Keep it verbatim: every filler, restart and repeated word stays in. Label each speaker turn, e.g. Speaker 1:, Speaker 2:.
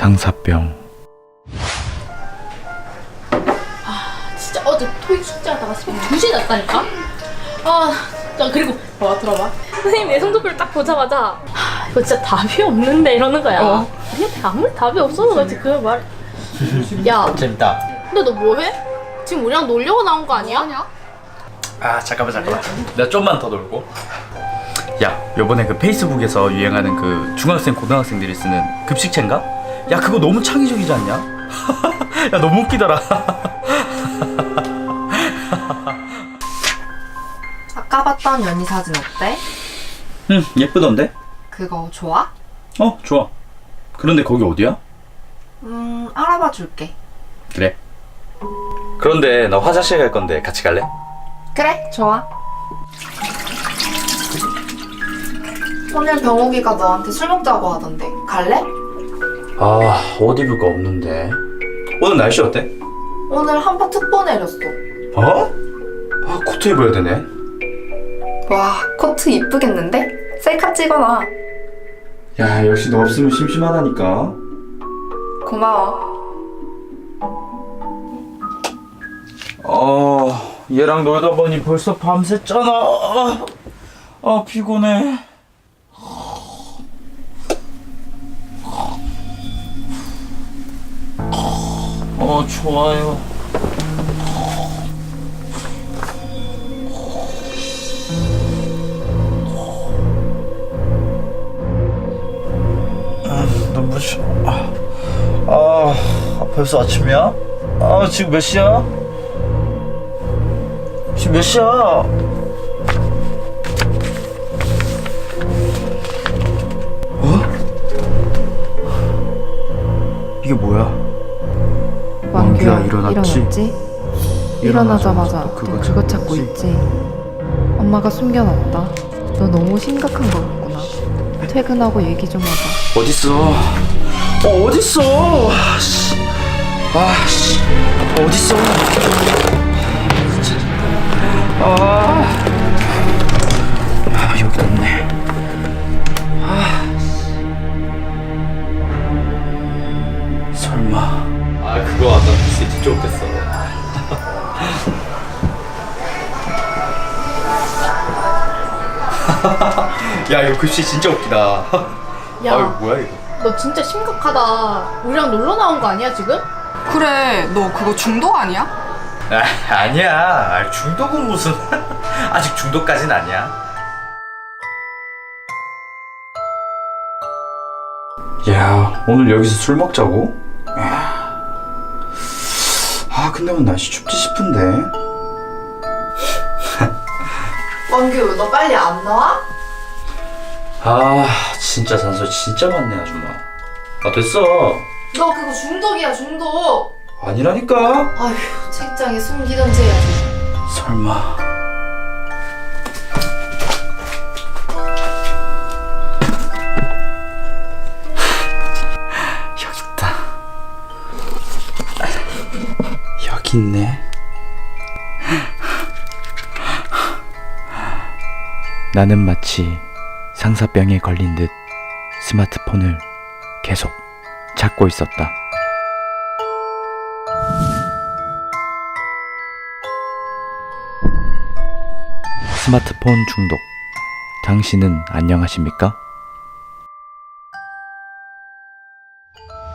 Speaker 1: 상사병.
Speaker 2: 아 진짜 어제 토익 숙제하다가 새벽 두 시에 잤다니까? 아 진짜. 그리고 와 들어봐, 선생님 내 성적표를 딱 보자마자 하, 이거 진짜 답이 없는데 이러는 거야. 어. 아니 아무리 답이 없어서 그렇지 그 말. 야
Speaker 1: 재밌다.
Speaker 2: 근데 너 뭐해? 지금 우리랑 놀려고 나온 거 아니야?
Speaker 1: 아 잠깐만 잠깐만. 내가 좀만 더 놀고. 야 요번에 그 페이스북에서 유행하는 그 중학생 고등학생들이 쓰는 급식체인가? 야 그거 너무 창의적이지 않냐? 야 너무 웃기더라.
Speaker 3: 아까 봤던 연희 사진 어때?
Speaker 1: 응 예쁘던데?
Speaker 3: 그거 좋아?
Speaker 1: 어 좋아. 그런데 거기 어디야?
Speaker 3: 음 알아봐 줄게.
Speaker 1: 그래. 그런데 나 화장실 갈 건데 같이 갈래?
Speaker 3: 그래 좋아. 오늘 병욱이가 너한테 술 먹자고 하던데 갈래?
Speaker 1: 아 옷 입을 거 없는데. 오늘 날씨 어때?
Speaker 3: 오늘 한파 특보 내렸어.
Speaker 1: 어? 아 코트 입어야 되네.
Speaker 3: 와 코트 이쁘겠는데? 셀카 찍어놔.
Speaker 1: 야 역시 너 없으면 심심하다니까.
Speaker 3: 고마워.
Speaker 1: 어 얘랑 놀다 보니 벌써 밤샜잖아. 아, 아 피곤해. 어 좋아요. 아, 눈부셔. 아, 아 벌써 아침이야? 아 지금 몇 시야? 지금 몇 시야? 어? 이게 뭐야? 왕규야, 일어났지?
Speaker 4: 일어났지? 일어나자마자 너 그거, 그거 찾고 있지? 엄마가 숨겨놨다. 너 너무 심각한 거 같구나. 퇴근하고 얘기 좀 하자.
Speaker 1: 어딨어? 어 어딨어? 아씨, 아씨, 어딨어? 아, 아 여기 없네. 아, 설마. 아 그거 아까 글씨 진짜 웃겼어. 야 이거 글씨 진짜 웃기다.
Speaker 2: 야
Speaker 1: 아 뭐야 이거?
Speaker 2: 너 진짜 심각하다. 우리랑 놀러 나온 거 아니야 지금?
Speaker 5: 그래, 너 그거 중독 아니야?
Speaker 1: 아, 아니야. 아, 중독은 무슨. 아직 중독까진 아니야. 야, 오늘 여기서 술 먹자고? 야. 아, 근데 오늘 날씨 춥지 싶은데.
Speaker 3: 왕규 너 빨리 안 나와?
Speaker 1: 아, 진짜 잔소리 진짜 많네, 아줌마. 아, 됐어.
Speaker 3: 너 그거 중독이야 중독.
Speaker 1: 아니라니까.
Speaker 3: 아휴 책장에 숨기던지 해야지.
Speaker 1: 설마. 여기 있다. 여기 있네. 나는 마치 상사병에 걸린 듯 스마트폰을 계속 찾고 있었다. 스마트폰 중독. 당신은 안녕하십니까?